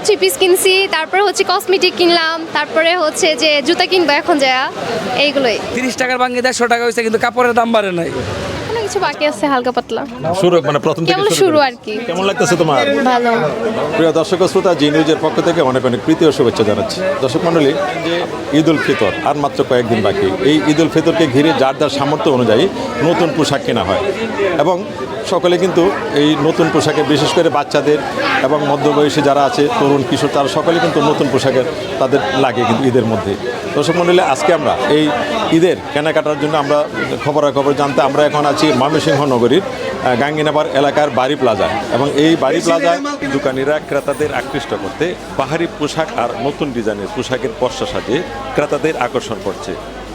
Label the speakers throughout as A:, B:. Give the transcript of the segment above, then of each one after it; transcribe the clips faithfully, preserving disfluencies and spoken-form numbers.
A: Three piece কিনছি, তারপরে হচ্ছে কসমেটিক কিনলাম, তারপরে হচ্ছে যে জুতা কিনবো এখন যা, এইগুলোই।
B: তিরিশ টাকার ভাঙে দেড়শো টাকা হয়েছে, কিন্তু কাপড়ের দাম বাড়ে নাই।
A: কোনো কিছু বাকি আছে হালকা পাতলা,
C: শুরু মানে প্রথম থেকে
A: কেবল শুরু আর কি।
C: কেমন লাগতেছে তোমার?
A: ভালো।
C: প্রিয় দর্শক ও শ্রোতা, জি নিউজের পক্ষ থেকে অনেক অনেক প্রীতি ও শুভেচ্ছা জানাচ্ছি। দর্শক মণ্ডলী, যে ঈদ উল ফিতর আর মাত্র কয়েকদিন বাকি, এই ঈদ উল ফিতরকে ঘিরে যার যার সামর্থ্য অনুযায়ী নতুন পোশাক কেনা হয় এবং সকলে কিন্তু এই নতুন পোশাকে, বিশেষ করে বাচ্চাদের এবং মধ্যবয়সী যারা আছে, তরুণ কিশোর, তারা সকলে কিন্তু নতুন পোশাকের তাদের লাগে কিন্তু ঈদের মধ্যে। দর্শক মণ্ডলী, আজকে আমরা এই ঈদের কেনাকাটার জন্য আমরা খবরাখবর জানতে আমরা এখন আছি ময়মনসিংহ নগরীর গাঙ্গিনাবার এলাকার বাড়ি প্লাজা, এবং এই বাড়ি প্লাজায় দোকানিরা ক্রেতাদের আকৃষ্ট করতে বাহারি পোশাক আর নতুন ডিজাইনের পোশাকের পসরা সাজিয়ে ক্রেতাদের আকর্ষণ করছে।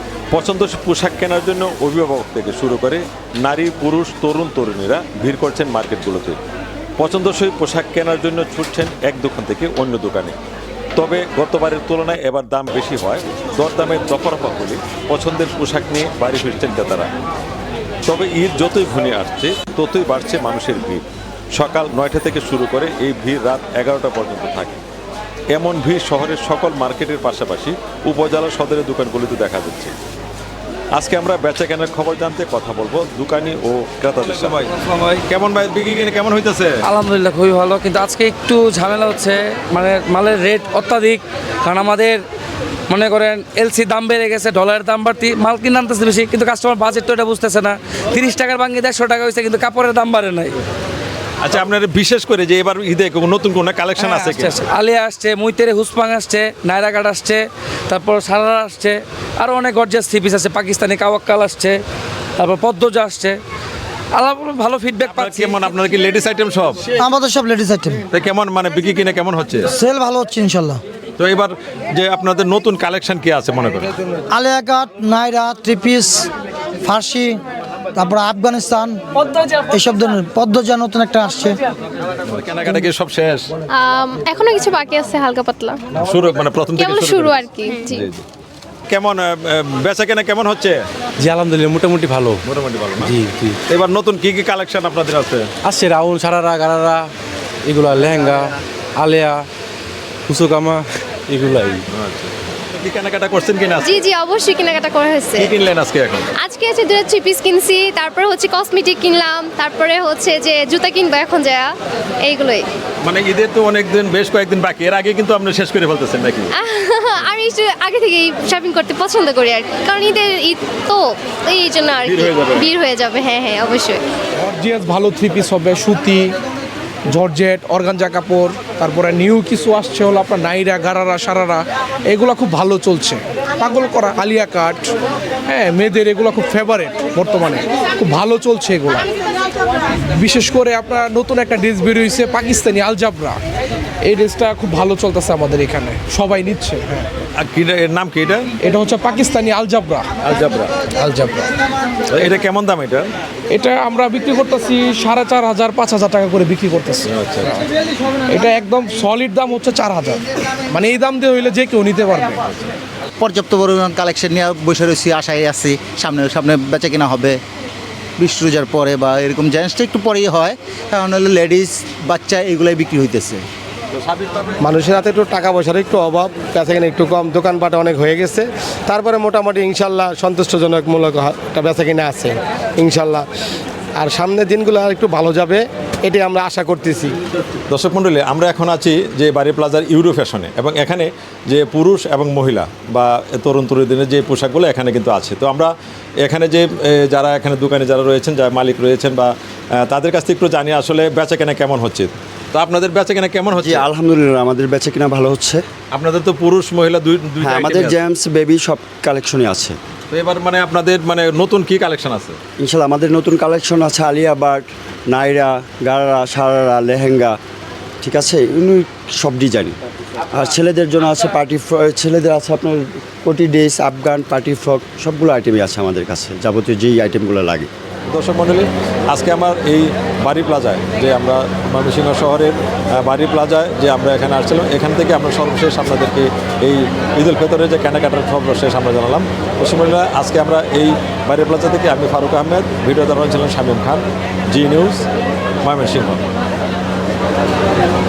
C: পছন্দ পোশাক কেনার জন্য অভিভাবক থেকে শুরু করে নারী, পুরুষ, তরুণ তরুণীরা ভিড় করছেন মার্কেটগুলোতে। পছন্দসই পোশাক কেনার জন্য ছুটছেন এক দোকান থেকে অন্য দোকানে। তবে গতবারের তুলনায় এবার দাম বেশি হয়, দরদামের দফারফা হলে পছন্দের পোশাক নিয়ে বাড়ি ফিরছেন ক্রেতারা। তবে ঈদ যতই ঘনিয়ে আসছে ততই বাড়ছে মানুষের ভিড়। সকাল নয়টা থেকে শুরু করে এই ভিড় রাত এগারোটা পর্যন্ত থাকে। এমন ভিড় শহরের সকল মার্কেটের পাশাপাশি উপজেলা সদরের দোকানগুলিতে দেখা যাচ্ছে। আজকে আমরা বেচা কেনার খবর জানতে কথা বলবো দোকানি ও ক্রেতাদের সাথে। কেমন ভাই বিক্রি কিনে কেমন হইতেছে?
B: আলহামদুলিল্লাহ খুবই ভালো, কিন্তু আজকে একটু ঝামেলা হচ্ছে, মানে মালের রেট অত্যাধিক। কারণ আমাদের মনে করেন এলসি দাম বেড়ে গেছে, ডলারের দাম বাড়তি, মাল কিনে আনতেছে বেশি, কিন্তু কাস্টমার বাজেট তো এটা বুঝতেছে না। তিরিশ টাকার ভাঙে দেড়শো টাকা হয়েছে, কিন্তু কাপড়ের দাম বাড়ে নাই।
C: আচ্ছা, আপনার বিশেষ করে যে এবার ঈদে নতুন কোনো কালেকশন আছে কি?
B: আলিয়া আসছে, মুইতেরে হুসপাং আসছে, নায়রা কাট আসছে, তারপর সারারা আসছে, আরও অনেক গর্জিয়াস থ্রি পিস আছে, পাকিস্তানি কাওয়াক্কাল আসছে, তারপর পদ্মজা আসছে। আল্লাহ ভালো ফিডব্যাক পাচ্ছি।
C: কেমন আপনার কি লেডিস আইটেম সব?
D: আমাদের সব লেডিস আইটেম।
C: তো কেমন মানে বিক্রি কিনে কেমন হচ্ছে?
D: সেল ভালো হচ্ছে ইনশাল্লাহ।
C: তো এবার যে আপনাদের নতুন কালেকশন কি আছে মনে করেন?
D: Alia cut, Naira, three piece, ফার্সি, তারপর আফগানিস্তান, এইসব ধরনের পদ্মজা নতুন একটা আসছে।
C: কেনাকাটা কি সব শেষ?
A: আম, এখনো কিছু বাকি আছে হালকা পাতলা,
C: শুরু মানে প্রথম থেকে
A: কেবল শুরু আর কি। জি।
C: জি, জি। কেমন আহ, বেচা কেনা কেমন হচ্ছে?
E: জি আলহামদুলিল্লাহ মোটামুটি ভালো।
C: মোটামুটি ভালো না?
E: জি জি
C: এবার নতুন কি কি কালেকশন আপনাদের আছে?
E: আসছে রাউন্ড, সারারা, গারারা, এগুলা লেহেঙ্গা, আলেয়া, কুসুকামা, এগুলাই।
C: কি কেনাকাটা করছেন কিনা?
A: জি জি অবশ্যই কেনাকাটা করা হয়েছে।
C: কি কিনলেন আজকে এখন?
A: আজকে হচ্ছে দুটো থ্রি পিস কিনছি, তারপরে হচ্ছে কসমেটিক কিনলাম, তারপরে হচ্ছে যে জুতা কিনবো এখন যা, এইগুলোই।
C: মানে ঈদের তো অনেক দিন, বেশ কয়েকদিন বাকি, এর আগে কিন্তু আপনি শেষ করে ফেলতেছেন নাকি?
A: আমি একটু আগে থেকেই শপিং করতে পছন্দ করি আর কি, কারণ ঈদের ঈদ তো এই জন্য আর কি
C: ভিড় হয়ে যাবে।
A: ভিড় হয়ে যাবে। হ্যাঁ হ্যাঁ অবশ্যই।
F: জর্জিয়াস ভালো থ্রি পিস হবে, সুতি, জর্জেট, অর্গানজা কাপড়, তারপরে নিউ কিছু আসছে হলো আপনার নাইরা, গারারা, সারারা, এগুলো খুব ভালো চলছে। পাগল করা আলিয়া কাট, হ্যাঁ মেয়েদের এগুলো খুব ফেভারেট বর্তমানে, খুব ভালো চলছে এগুলো। বিশেষ করে আপনার নতুন একটা ড্রেস বেরিয়েছে পাকিস্তানি আলজাবরা, এই ড্রেসটা খুব ভালো চলতেছে আমাদের এখানে, সবাই নিচ্ছে। হ্যাঁ,
C: আর কি এর নাম কি এটা?
F: এটা হচ্ছে পাকিস্তানি আলজাবরা।
C: আলজাবরা।
F: আলজাবরা
C: এটা কেমন দাম এটা?
F: এটা আমরা বিক্রি করতেছি সাড়ে চার হাজার পাঁচ হাজার টাকা করে বিক্রি করতেছি।
C: আচ্ছা,
F: এটা একদম সলিড দাম হচ্ছে চার হাজার, মানে এই দাম দিয়ে হইলে যে কেউ নিতে পারবে।
G: পর্যাপ্ত পরিমাণ কালেকশন নিয়ে বসে রয়েছি, আশায় আছি সামনে সামনে বেচা কেনা হবে বিশ রোজার পরে, বা এরকম জেন্টসটা একটু পরেই হয়, কারণ হলো লেডিস বাচ্চা এগুলাই বিক্রি হইতেছে।
H: মানুষের হাতে একটু টাকা পয়সার একটু অভাব, কাছে কিনা একটু কম, দোকানপাট অনেক হয়ে গেছে, তারপরে মোটামুটি ইনশাল্লাহ সন্তুষ্টজনকমূলক একটা বেচা কিনা আছে ইনশাল্লাহ। আর সামনের দিনগুলো আর একটু ভালো যাবে, এটাই আমরা আশা করতেছি।
C: দর্শক মণ্ডলী, আমরা এখন আছি যে বাড়ি প্লাজার ইউরো ফ্যাশনে, এবং এখানে যে পুরুষ এবং মহিলা বা তরুণ তরুণীদের যে পোশাকগুলো এখানে কিন্তু আছে। তো আমরা এখানে যে এ, যারা এখানে দোকানে যারা রয়েছেন, যারা মালিক রয়েছেন, বা আহ, তাদের কাছ থেকে একটু জানি আসলে বেচা কেনা কেমন হচ্ছে। তো আপনাদের বেচা কেনা কেমন
I: জি
C: হচ্ছে?
I: আলহামদুলিল্লাহ আমাদের বেচা কিনা ভালো হচ্ছে।
C: আপনাদের তো পুরুষ মহিলা দুই দুই
I: হ্যাঁ, আমাদের জেমস বেবি সব কালেকশনই আছে।
C: তো এবার মানে আপনাদের মানে নতুন কি কালেকশন আছে?
I: ইনশাল্লাহ আমাদের নতুন কালেকশন আছে আলিয়া বাট, নাইরা, গারারা, সারারা, লেহেঙ্গা, ঠিক আছে, এমনি সব ডিজাইন। আর ছেলেদের জন্য আছে পার্টি, ছেলেদের আছে আপনার কোটি ড্রেস, আফগান, পার্টি ফ্রক, সবগুলো আইটেমই আছে আমাদের কাছে, যাবতীয় যেই আইটেমগুলো লাগে।
C: দর্শক মণ্ডলী, আজকে আমার এই বাড়ি প্লাজায় যে আমরা ময়মনসিংহ শহরের আহ, বাড়ি প্লাজায় যে আমরা এখানে আসছিলাম, এখান থেকে আমরা সর্বশেষ আপনাদেরকে এই ঈদ উল ফিতরের যে কেনাকাটার সর্বশেষ আমরা জানালাম। দর্শক মণ্ডলী, আজকে আমরা এই বাড়ি প্লাজা থেকে আমি ফারুক আহমেদ, ভিডিও ধারণ ছিলেন শামীম খান, জি নিউজ, ময়মনসিংহ।